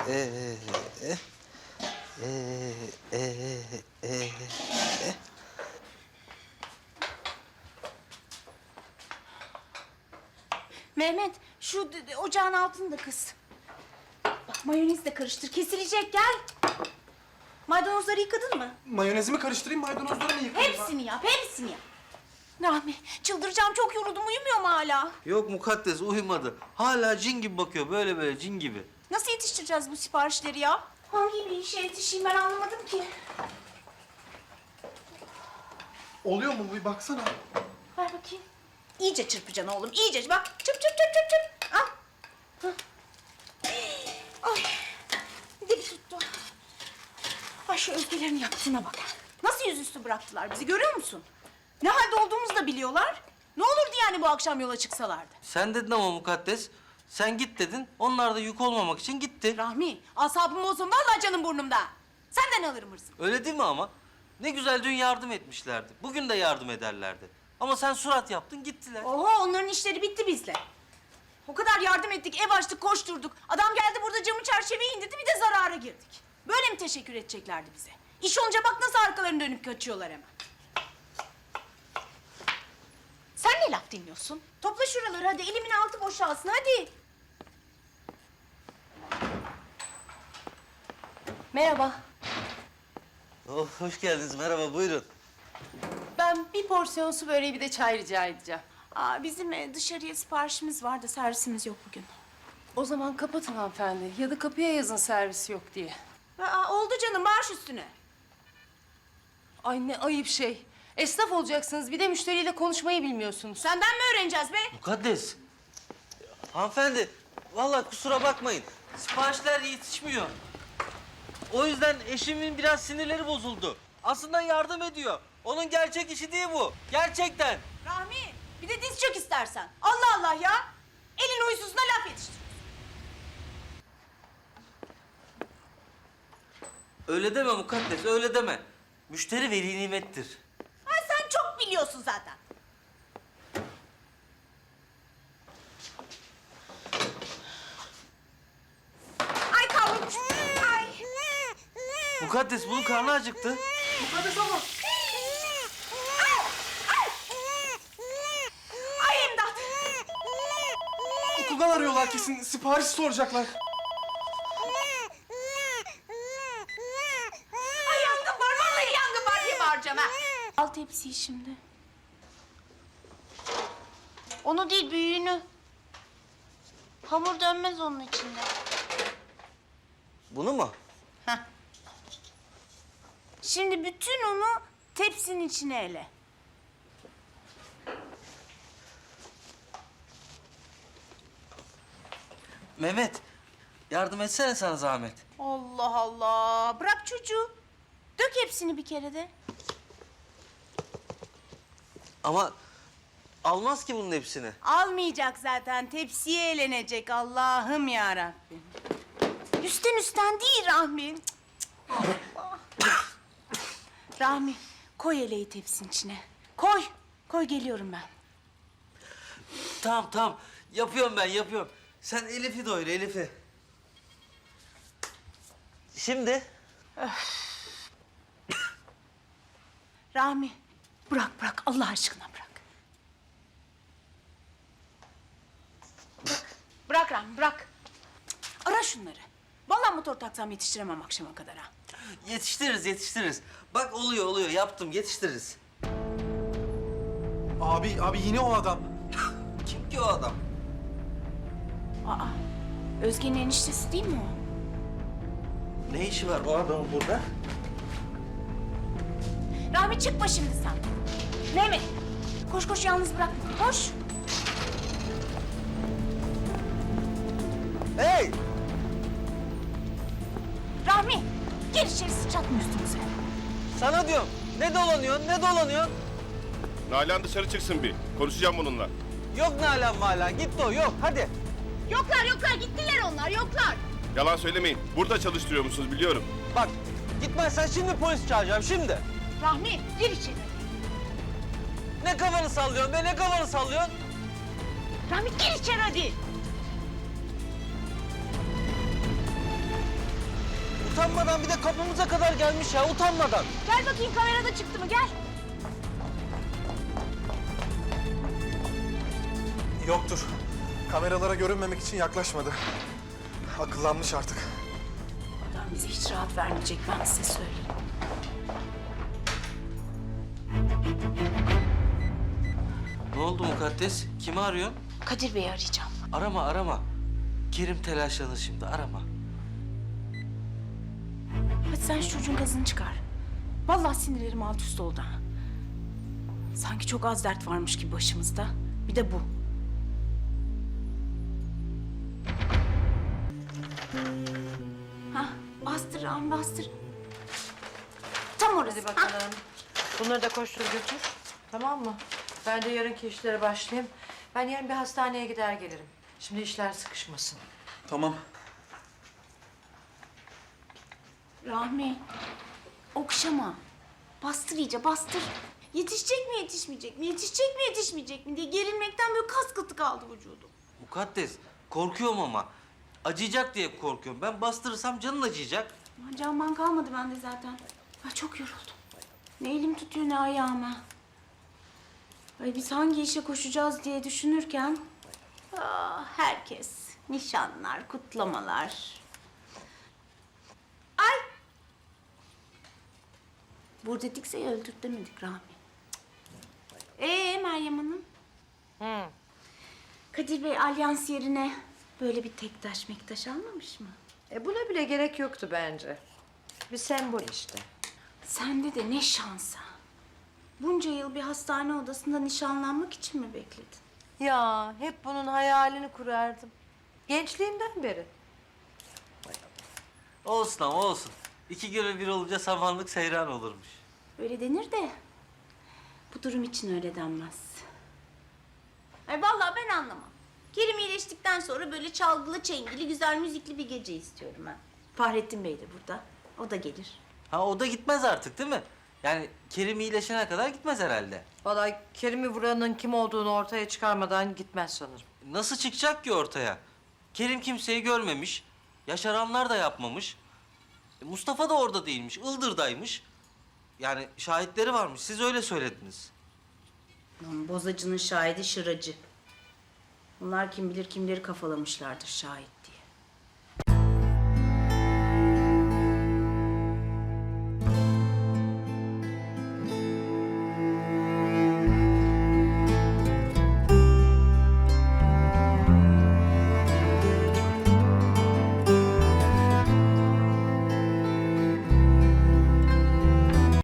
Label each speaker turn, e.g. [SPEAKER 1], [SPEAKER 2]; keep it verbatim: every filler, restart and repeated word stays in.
[SPEAKER 1] Ee, e, e, e, e, e.
[SPEAKER 2] Mehmet, şu d- d- ocağın altını da kıs. Bak mayonez de karıştır, kesilecek gel. Maydanozları yıkadın mı?
[SPEAKER 3] Mayonezimi karıştırayım, maydanozları mı yıkayayım?
[SPEAKER 2] Hepsini yap, hepsini yap. Rahmi, çıldıracağım, çok yoruldum, uyumuyor mu hala?
[SPEAKER 1] Yok mukaddes uyumadı. Hala cin gibi bakıyor böyle böyle cin gibi.
[SPEAKER 2] Nasıl yetiştireceğiz bu siparişleri ya? Hangi bir işe yetişeyim ben anlamadım ki.
[SPEAKER 3] Oluyor mu bu? Bir baksana.
[SPEAKER 2] Ver bakayım. İyice çırpacaksın oğlum, iyice. Bak, çırp çırp çırp çırp çırp. Al. Hah. Ay, dili tuttu. Ay şu Özgelerin yaptığına bak. Nasıl yüzüstü bıraktılar bizi, görüyor musun? Ne halde olduğumuzu da biliyorlar. Ne olurdu yani bu akşam yola çıksalardı?
[SPEAKER 1] Sen dedin ama mukaddes. Sen git dedin. Onlar da yük olmamak için gitti.
[SPEAKER 2] Rahmi, asabım olsun vallahi canım burnumda. Senden alırım hırsını.
[SPEAKER 1] Öyle değil mi ama? Ne güzel dün yardım etmişlerdi. Bugün de yardım ederlerdi. Ama sen surat yaptın gittiler.
[SPEAKER 2] Oho, onların işleri bitti bizle. O kadar yardım ettik, ev açtık, koşturduk. Adam geldi burada camı çerçeveyi indirdi, bir de zarara girdik. Böyle mi teşekkür edeceklerdi bize? İş olunca bak nasıl arkalarını dönüp kaçıyorlar hemen. Sen ne laf dinliyorsun? Topla şuraları hadi, elimin altı boşalsın hadi. Merhaba.
[SPEAKER 1] Oh, hoş geldiniz. Merhaba, buyurun.
[SPEAKER 4] Ben bir porsiyon su böreği bir de çay rica edeceğim.
[SPEAKER 2] Aa, bizim e, dışarıya siparişimiz var da servisimiz yok bugün.
[SPEAKER 4] O zaman kapatın hanımefendi. Ya da kapıya yazın servis yok diye.
[SPEAKER 2] Aa, oldu canım, baş üstüne.
[SPEAKER 4] Ay ne ayıp şey. Esnaf olacaksınız bir de müşteriyle konuşmayı bilmiyorsunuz.
[SPEAKER 2] Senden mi öğreneceğiz be?
[SPEAKER 1] Mukaddes. Hanımefendi, vallahi kusura bakmayın. Siparişler yetişmiyor. O yüzden eşimin biraz sinirleri bozuldu. Aslında yardım ediyor. Onun gerçek işi değil bu. Gerçekten.
[SPEAKER 2] Rahmi, bir de diz çök istersen. Allah Allah ya. Elin huysuzuna laf yetiştir.
[SPEAKER 1] Öyle deme mukaddes, öyle deme. Müşteri veli nimettir.
[SPEAKER 2] Ha, sen çok biliyorsun zaten. Ay kavrulmuş. Ay.
[SPEAKER 1] Mukaddes bunun karnı acıktı.
[SPEAKER 3] Hadi sabah.
[SPEAKER 2] Ay imdat.
[SPEAKER 3] Okuldan arıyorlar kesin. Sipariş soracaklar.
[SPEAKER 2] Ay yangın var, vallahi yangın var diye bağıracağım ha. Al tepsiyi şimdi. Onu değil, büyüğünü. Hamur dönmez onun içinde.
[SPEAKER 1] Bunu mu?
[SPEAKER 2] Heh. Şimdi bütün unu tepsinin içine ele.
[SPEAKER 1] Mehmet, yardım etsene sana zahmet.
[SPEAKER 2] Allah Allah. Bırak çocuğu. Dök hepsini bir kere de.
[SPEAKER 1] Ama almaz ki bunun hepsini.
[SPEAKER 2] Almayacak zaten. Tepsiye elenecek. Allah'ım ya Rabbim. Üstten üstten değil Rahmi. Cık, cık. Allah. Rahmi, koy eleği tepsinin içine. Koy. Koy, geliyorum ben.
[SPEAKER 1] Tamam tamam, yapıyorum ben yapıyorum. Sen Elif'i doyur Elif'i. Şimdi?
[SPEAKER 2] Rahmi, bırak bırak. Allah aşkına bırak. Bırak, bırak Rahmi, bırak. Cık, ara şunları. Vallahi motor taksam yetiştiremem akşama kadar ha.
[SPEAKER 1] Yetiştiririz yetiştiririz. Bak oluyor oluyor yaptım yetiştiririz.
[SPEAKER 3] Abi, abi yine o adam.
[SPEAKER 1] Kim ki o adam?
[SPEAKER 2] Aa, Özge'nin eniştesi değil mi o?
[SPEAKER 1] Ne işi var o adamın burada?
[SPEAKER 2] Rahmi çıkma şimdi sen. Mehmet, koş koş yalnız bırakma. Koş.
[SPEAKER 1] Hey!
[SPEAKER 2] Rahmi, gel içeri, sıçratma üstümüze.
[SPEAKER 1] Sana diyorum. Ne dolanıyorsun ne dolanıyorsun?
[SPEAKER 5] Nalan dışarı çıksın bir. Konuşacağım bununla.
[SPEAKER 1] Yok Nalan Malan gitti o yok hadi.
[SPEAKER 2] Yoklar yoklar, gittiler onlar, yoklar.
[SPEAKER 5] Yalan söylemeyin. Burada çalıştırıyor musunuz biliyorum.
[SPEAKER 1] Bak gitmezsen şimdi polis çağıracağım şimdi.
[SPEAKER 2] Rahmi, gir içeri.
[SPEAKER 1] Ne kafanı sallıyorsun be ne kafanı sallıyorsun?
[SPEAKER 2] Rahmi gir içeri hadi.
[SPEAKER 1] utanmadan bir de kapımıza kadar gelmiş ya, utanmadan.
[SPEAKER 2] Gel bakayım kamerada çıktı mı gel.
[SPEAKER 3] Yoktur. Kameralara görünmemek için yaklaşmadı. Akıllanmış artık.
[SPEAKER 2] Adam bize hiç rahat vermeyecek ben size söyleyeyim.
[SPEAKER 1] Ne oldu Mukaddes? Kimi arıyorsun?
[SPEAKER 2] Kadir Bey'i arayacağım.
[SPEAKER 1] Arama, arama. Kerim telaşlanır şimdi, arama.
[SPEAKER 2] Hadi sen şu çocuğun gazını çıkar. Vallahi sinirlerim alt üst oldu ha. Sanki çok az dert varmış gibi başımızda. Bir de bu. Hah, bastır ağam bastır. Tam orası.
[SPEAKER 4] Hadi bakalım. Bunları da koştur götür. Tamam mı? Ben de yarınki işlere başlayayım. Ben yarın bir hastaneye gider gelirim. Şimdi işler sıkışmasın.
[SPEAKER 3] Tamam.
[SPEAKER 2] Rahmi, okşama. Bastır iyice, bastır. Yetişecek mi, yetişmeyecek mi? Yetişecek mi, yetişmeyecek mi diye gerilmekten böyle kas katı kaldı vücudum.
[SPEAKER 1] Mukaddes, korkuyorum ama. Acıyacak diye korkuyorum. Ben bastırırsam canın acıyacak.
[SPEAKER 2] Aman canman kalmadı bende zaten. Ay çok yoruldum. Ne elim tutuyor ne ayağıma. Ay biz hangi işe koşacağız diye düşünürken... Ah, herkes. Nişanlar, kutlamalar. Ay! Burada dikse öldür demedik Rahmi. Ee Meryem Hanım?
[SPEAKER 4] Hı.
[SPEAKER 2] Kadir Bey alyans yerine böyle bir tek taş mektaş almamış mı?
[SPEAKER 4] E buna bile gerek yoktu bence. Bir sembol işte.
[SPEAKER 2] Sende de ne şansa. Bunca yıl bir hastane odasında nişanlanmak için mi bekledin?
[SPEAKER 4] Ya hep bunun hayalini kurardım. Gençliğimden beri.
[SPEAKER 1] Olsun ama olsun. İki göre bir olunca samanlık seyran olurmuş.
[SPEAKER 2] Öyle denir de bu durum için öyle denmez. Ay vallahi ben anlamam. Kerim iyileştikten sonra böyle çalgılı çengili güzel müzikli bir gece istiyorum ben. Fahrettin Bey de burada. O da gelir.
[SPEAKER 1] Ha o da gitmez artık değil mi? Yani Kerim iyileşene kadar gitmez herhalde.
[SPEAKER 4] Vallahi Kerim'i vuranın kim olduğunu ortaya çıkarmadan gitmez sanırım.
[SPEAKER 1] Nasıl çıkacak ki ortaya? Kerim kimseyi görmemiş. Yaşaranlar da yapmamış. E, Mustafa da orada değilmiş. Ildır'daymış. Yani şahitleri varmış. Siz öyle söylediniz.
[SPEAKER 2] Lan bozacının şahidi şıracı. Bunlar kim bilir kimleri kafalamışlardır şahit